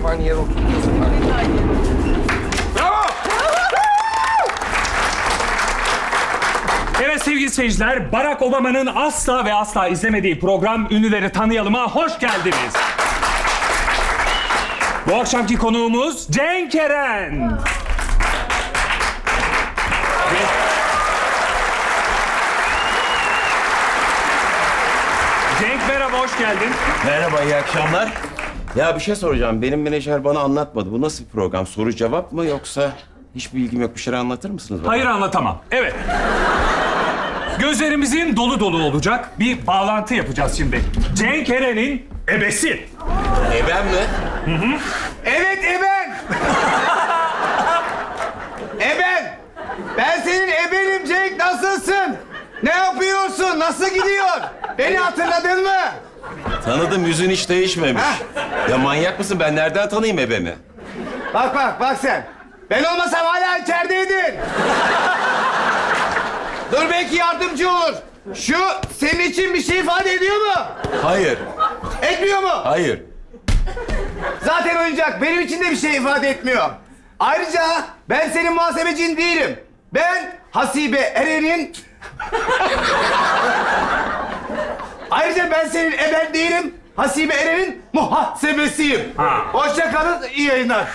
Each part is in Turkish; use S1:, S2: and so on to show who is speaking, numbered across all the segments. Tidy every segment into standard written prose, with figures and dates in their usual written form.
S1: hep aynı yere oturuyoruz. Bravo!
S2: Evet sevgili seyirciler, Barack Obama'nın asla ve asla izlemediği program Ünlüleri Tanıyalım'a hoş geldiniz. Bu akşamki konuğumuz Cenk Eren. Cenk merhaba, hoş geldin.
S3: Merhaba, iyi akşamlar. Ya bir şey soracağım. Benim menajer bana anlatmadı. Bu nasıl bir program? Soru cevap mı yoksa hiç bilgim yok. Bir şeyler anlatır mısınız bana?
S2: Hayır, anlatamam. Evet. Gözlerimizin dolu dolu olacak bir bağlantı yapacağız şimdi. Cenk Eren'in ebesi.
S3: Ben mi?
S1: Evet eben! Eben! Ben senin ebenim Cenk, nasılsın? Ne yapıyorsun? Nasıl gidiyor? Beni hatırladın mı?
S3: Tanıdım, yüzün hiç değişmemiş. Ya manyak mısın? Ben nereden tanıyayım ebemi?
S1: Bak sen. Ben olmasam hala içerideydin. Dur belki yardımcı olur. Şu senin için bir şey ifade ediyor mu?
S3: Hayır,
S1: Etmiyor mu?
S3: hayır.
S1: Zaten oyuncak benim için de bir şey ifade etmiyor. Ayrıca ben senin muhasebecin değilim. Ben Hasibe Eren'in... Ayrıca ben senin eben değilim. Hasibe Eren'in muhasebesiyim.
S2: Ha.
S1: Hoşça kalın, iyi yayınlar.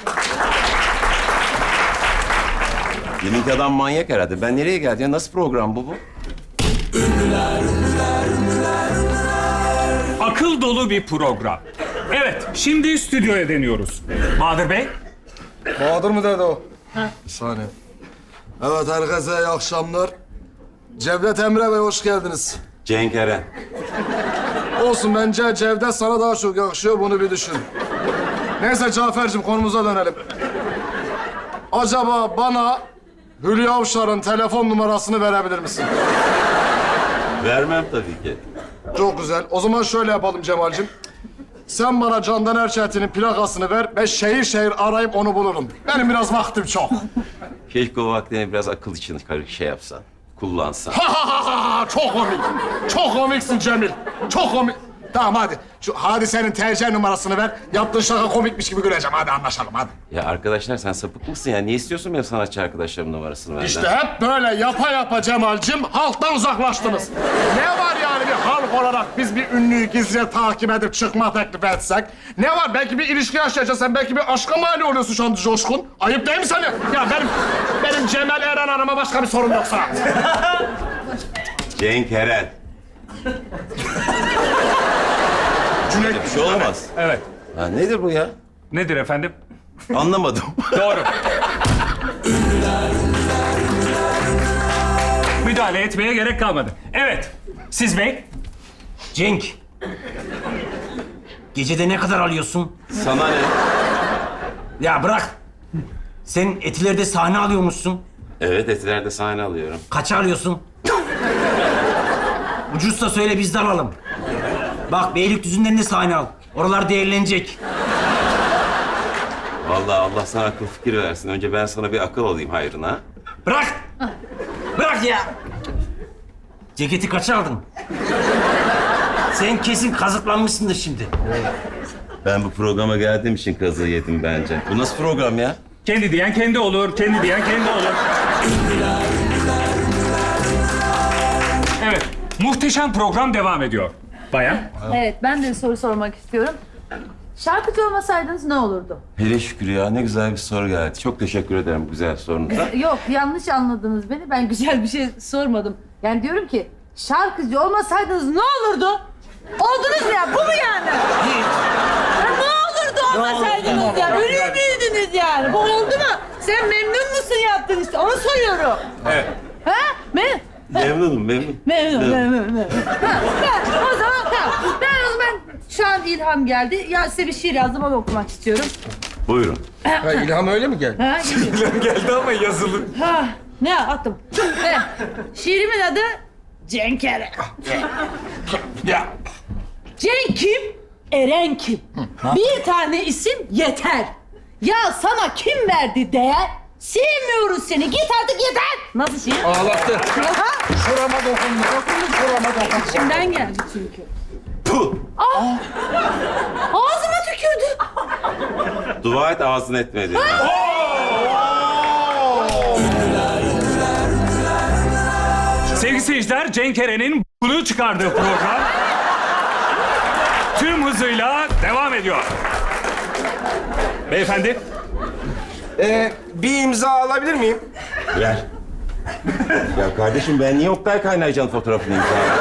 S3: Deminki adam manyak herhalde. Ben nereye geldim? Ya nasıl program bu?
S2: Akıl dolu bir program. Evet, şimdi stüdyoya deniyoruz. Bahadır Bey.
S4: Bahadır mı dedi o? Bir saniye. Evet herkese iyi akşamlar. Cevdet Emre Bey hoş geldiniz.
S3: Cenk Eren.
S4: Olsun bence Cevdet sana daha çok yakışıyor bunu bir düşün. Neyse Cafer'cim konumuza dönelim. Acaba bana Hülya Avşar'ın telefon numarasını verebilir misin?
S3: Vermem tabii ki.
S4: Çok güzel. O zaman şöyle yapalım Cemal'cim. Sen bana Candan Erçetin'in plakasını ver. Ben şehir şehir arayıp onu bulurum. Benim biraz vaktim çok.
S3: Keşke o vaktini biraz akıl için şey yapsan. Kullansan.
S4: Çok komik. Çok komiksin Cemil. Çok komik. Tamam hadi. Şu Hadise'nin TC numarasını ver. Yaptığın şaka komikmiş gibi güleceğim. Hadi anlaşalım hadi.
S3: Ya arkadaşlar sen sapık mısın ya? Niye istiyorsun benim sanatçı arkadaşlarımın numarasını benden?
S4: İşte hep böyle yapa yapa Cemal'cim halktan uzaklaştınız. Ne var yani bir halk olarak biz bir ünlüyü gizlice takip edip çıkma teklif etsek? Ne var? Belki bir ilişki yaşayacaksın. Belki bir aşka mani oluyorsun şu an Coşkun. Ayıp değil mi sana? Ya benim Cemal Eren Hanım'a başka bir sorun yoksa.
S3: Cenk Eren.
S4: Cüneyt.
S3: Bir şey olamaz.
S2: Evet.
S3: Ha, nedir bu ya?
S2: Nedir efendim?
S3: Anlamadım.
S2: Doğru. Müdahale etmeye gerek kalmadı. Evet. Siz Bey.
S5: Cenk. Gecede ne kadar alıyorsun?
S3: Sana ne?
S5: Ya bırak. Sen Etiler'de sahne alıyormuşsun.
S3: Evet, Etiler'de sahne alıyorum.
S5: Kaça alıyorsun? Ucuzsa söyle biz de alalım. Bak Beylikdüzü'nden de sahne al. Oralar değerlenecek.
S3: Vallahi Allah sana akıl fikir versin. Önce ben sana bir akıl alayım hayrına.
S5: Bırak. Bırak ya. Ceketi kaça aldın? Sen kesin kazıklanmışsındır şimdi.
S3: Ben bu programa geldiğim için kazığı yedim bence. Bu nasıl program ya?
S2: Kendi diyen kendi olur, kendi diyen kendi olur. Evet, muhteşem program devam ediyor. Bayan.
S6: Evet, ben de bir soru sormak istiyorum. Şarkıcı olmasaydınız ne olurdu?
S3: Hele şükür ya, ne güzel bir soru geldi. Çok teşekkür ederim bu güzel sorunuza.
S6: Yok, yanlış anladınız beni. Ben güzel bir şey sormadım. Yani diyorum ki, şarkıcı olmasaydınız ne olurdu? Oldunuz ya, bu mu yani? Ya ne olurdu olmasaydınız ya? Ölür müydünüz yani? Bu oldu mu? Sen memnun musun yaptın işte? Onu soruyorum.
S2: Evet.
S6: Ha?
S3: Memnunum.
S6: Memnun. Ha, o zaman tamam. Ben o zaman şu an ilham geldi. Ya size bir şiir yazdım, onu okumak istiyorum.
S3: Buyurun.
S1: Ha, İlham öyle mi geldi?
S6: Ha, geliyor.
S2: Geldi ama yazılı.
S6: Ha, ne attım? Evet. Şiirimin adı Cenk Eren.
S2: Ya.
S6: Cenk kim? Eren kim? Bir tane isim yeter. Ya sana kim verdi değer? Sevmiyoruz seni. Git artık yeter. Nasıl şiir?
S1: Ağlattı.
S6: Ha?
S1: Şurama dokundu. Şurama dokundu.
S6: İçimden geldi çünkü.
S3: Puh!
S6: Ağzıma tükürdü.
S3: Dua et ağzın etmedi.
S2: Sevgili seyirciler, Cenk Eren'in bunu çıkardığı program tüm hızıyla devam ediyor. Beyefendi,
S7: Bir imza alabilir miyim?
S3: Ver. Ya kardeşim ben niye Oktay Kaynarca'nın fotoğrafını imzalayayım?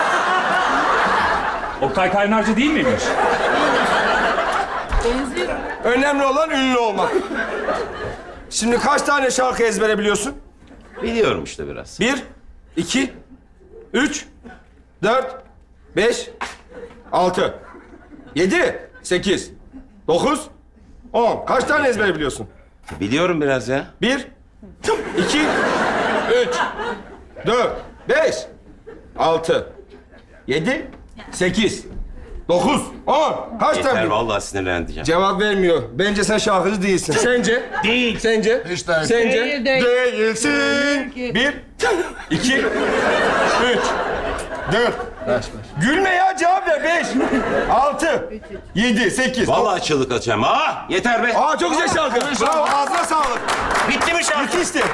S2: Oktay Kaynarca değil miymiş?
S6: Benziyor.
S7: Önemli olan ünlü olmak. Şimdi kaç tane şarkı ezbere biliyorsun?
S3: Biliyorum işte biraz.
S7: 1, 2, 3, 4, 5, 6, 7, 8, 9, 10. Kaç tane ezbere biliyorsun?
S3: Biliyorum biraz ya.
S7: 1, 2, 3, 4, 5, 6, 7, 8, 9, 10. Kaç tane
S3: Yeter
S7: biliyorsun?
S3: vallahi sinirleneceğim.
S7: Cevap vermiyor. Bence sen şarkıcı değilsin. Sence?
S5: Değil.
S7: Sence?
S4: Hiç değil.
S7: Sence?
S6: Değil.
S7: Değilsin.
S6: Değil.
S7: 1, 2, 3, 4. Gülme ya, cevap ver. 5, 6, 7, 8.
S3: Vallahi çığlık atacağım. Yeter be.
S7: Aa, çok güzel şarkı. Bravo, ağzına sağlık.
S5: Bitti mi şarkı?
S7: Bitti işte.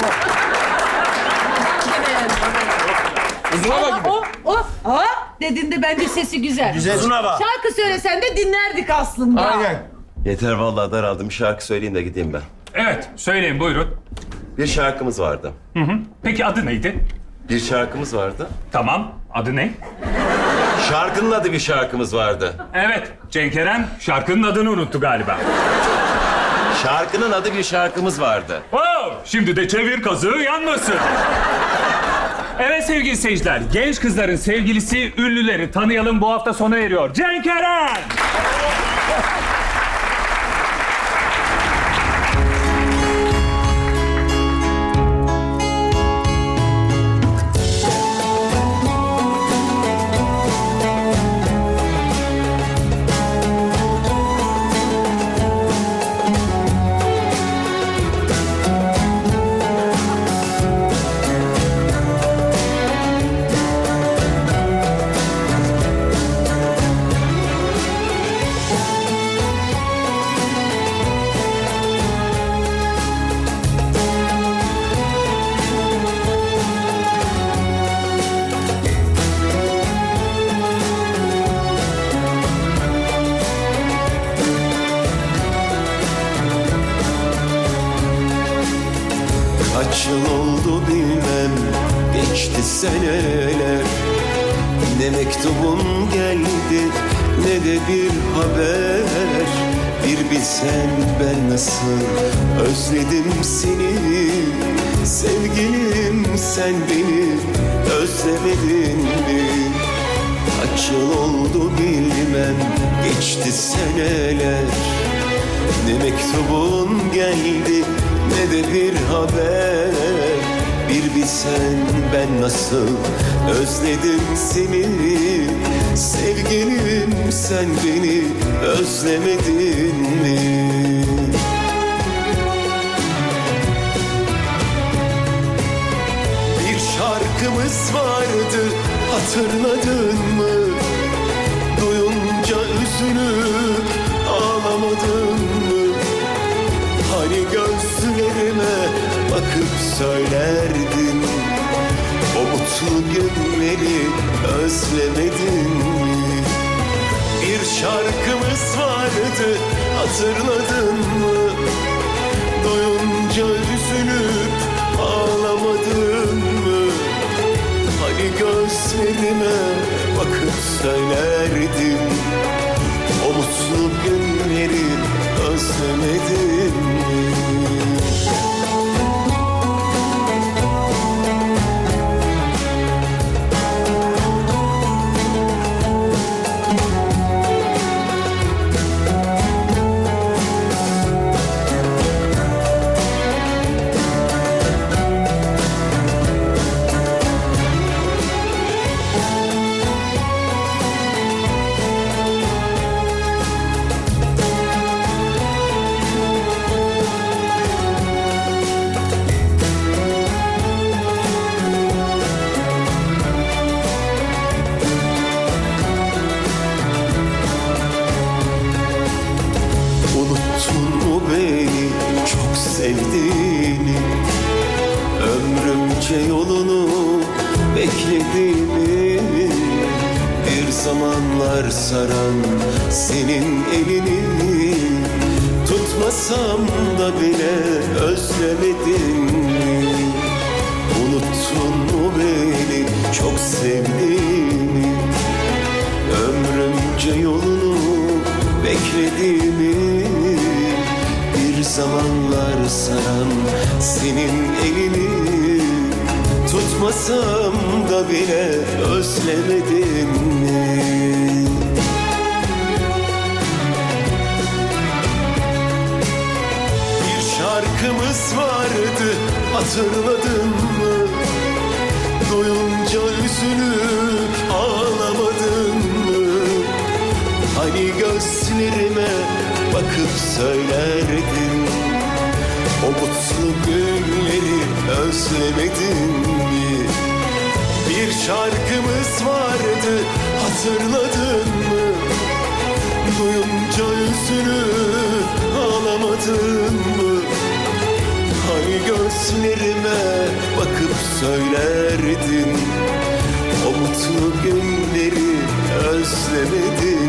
S7: Uzuna bak gibi.
S6: Dediğinde bence sesi güzel.
S5: Uzuna bak.
S6: Şarkı söylesen de dinlerdik aslında.
S7: Aynen.
S3: Yeter vallahi daraldım. Bir şarkı söyleyeyim de gideyim ben.
S2: Evet, söyleyin buyurun.
S3: Bir şarkımız vardı.
S2: Peki adı neydi?
S3: Bir şarkımız vardı.
S2: Tamam, adı ne?
S3: Şarkının adı bir şarkımız vardı.
S2: Evet, Cenk Eren şarkının adını unuttu galiba.
S3: Şarkının adı bir şarkımız vardı.
S2: Oh, şimdi de çevir kazığı yanmasın. Evet sevgili seyirciler, genç kızların sevgilisi ünlüleri tanıyalım bu hafta sona eriyor. Cenk Eren!
S8: Kaç yıl oldu bilmem, geçti seneler. Ne mektubun geldi ne de bir haber. Bir bilsen ben nasıl özledim seni. Sevgilim sen beni özlemedin mi? Kaç yıl oldu bilmem, geçti seneler. Ne mektubun geldi ne de bir haber. Bir bilsen ben nasıl özledim seni. Sevgilim sen beni özlemedin mi? Bir şarkımız vardı, hatırladın mı? Duyunca üzülüp ağlamadın mı? Hani gözlerime bakıp söylerdin, o mutlu günleri özlemedin mi? Bir şarkımız vardı, hatırladın mı? Duyunca üzülüp ağlamadın mı? Hani gözlerime bakıp söylerdin, o mutlu günleri özlemedin mi? beklediğimi, bir zamanlar saran senin elini tutmasam da bile özlemedin mi? Unuttun mu beni çok sevdiğimi, ömrümce yolunu beklediğimi, bir zamanlar saran senin elini tutmasam da bile özlemedin mi? Bir şarkımız vardı, hatırladın mı? Duyunca üzülüp ağlamadın mı? Hani gözlerime bakıp söylerdin, o mutlu günleri özlemedin mi? Bir şarkımız vardı, hatırladın mı? Duyunca üzülüp ağlamadın mı? Hani gözlerime bakıp söylerdin, o mutlu günleri özlemedin